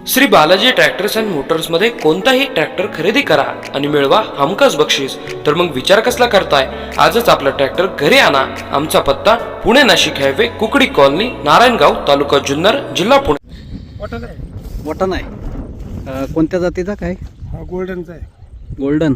Shri Balaji tractors and motors मध्ये कोणताही tractor खरेदी करा आणि मिळवा हमखास बक्षीस. तर मग विचार कसला करताय? आजच आपला ट्रॅक्टर घरी आणा. आमचा पत्ता पुणे नाशिक हायवे, कुकडी कॉलनी, नारायणगाव, तालुका जुन्नर, जिल्हा पुणे. वटण आहे. कोणत्या जातीचा काय? हा गोल्डनचा आहे. गोल्डन.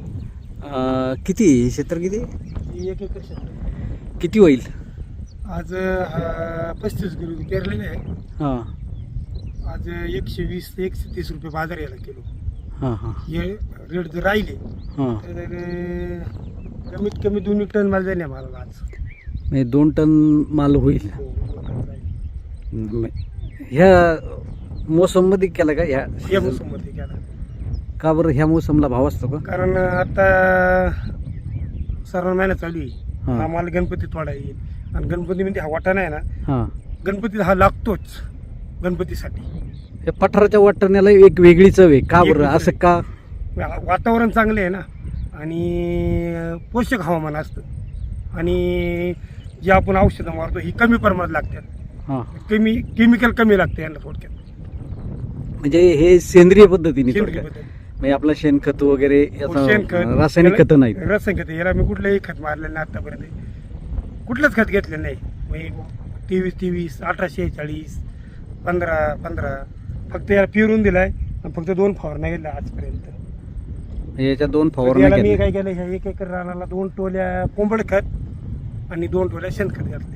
किती क्षेत्र किती? 1 एकर क्षेत्र. किती होईल? आज 35 किलो पेरलेले आहे. हां आज 120 ते 130 रुपये बाजार यायला किलो. हां हां हे रेट जर राहिले हां तर कमीत कमी 2 टन माल जाईल मला आज. म्हणजे 2 टन माल होईल. हो, 2 टन जाईल. ह्या मोसममध्ये केला का? या मोसममध्ये केला. का बरं ह्या मोसमला भाव असतो का? कारण आता श्रावण महिना चालू आहे. हां. हा माल गणपती थोडा येईल आणि गणपतीमध्ये हा वाटाणा आहे ना, हां. गणपतीला हा लागतोच गणपतीसाठी. हे पठाराच्या वाटण्याला एक वेगळी चव आहे. का बरं असं का? वातावरण चांगले आहे ना आणि पोषक हवामान असतं आणि जे आपण औषधं मारतो ही कमी प्रमाणात लागतात. हां केमिकल कमी लागते यांना थोडक्यात. म्हणजे हे सेंद्रिय पद्धतीने सेंद्रिय थोडक्यात. पद्धत. म्हणजे आपलं शेणखत वगैरे शेणखत, रासायनिक खत नाही. रासायनिक खत याला मी कुठलंही खत मारलेलं नाही आतापर्यंत. कुठलंच खत घेतलेलं नाही. 23 1840 15 फक्त याला पिरून दिलाय आणि फक्त 2 फवारण्या गेल्या आजपर्यंत. याच्या 2 याला फवारण्या मी केल्या. काय केलं, ह्या 1 एकर रानाला 2 टोल्या कोंबड खत आणि 2 टोल्या शेणखत घातले.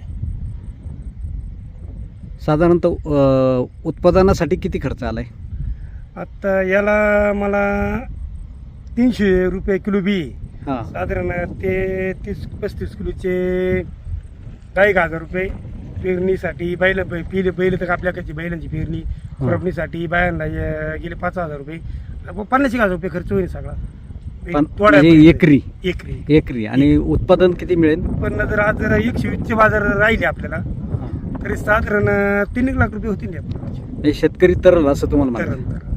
साधारणतः उत्पादनासाठी किती खर्च आलाय? आता याला मला 300 रुपये किलो बी. हां साधारण ते 30-35 किलोचे 1000 रुपये. पेरणीसाठी बैल तर आपल्याकडची बैलांची पेरणी, खुरपणीसाठी बायांना गेले 5000 रुपये. 50,000 रुपये खर्च होईल सगळा. म्हणजे एकरी एकरी एकरी. आणि उत्पादन किती मिळेल? उत्पन्न जर आज जर 120चे बाजार राहिले आपल्याला तरी साधारण 3 लाख रुपये होतील. म्हणजे शेतकरी तरल असं तुम्हाला तर म्हणतात.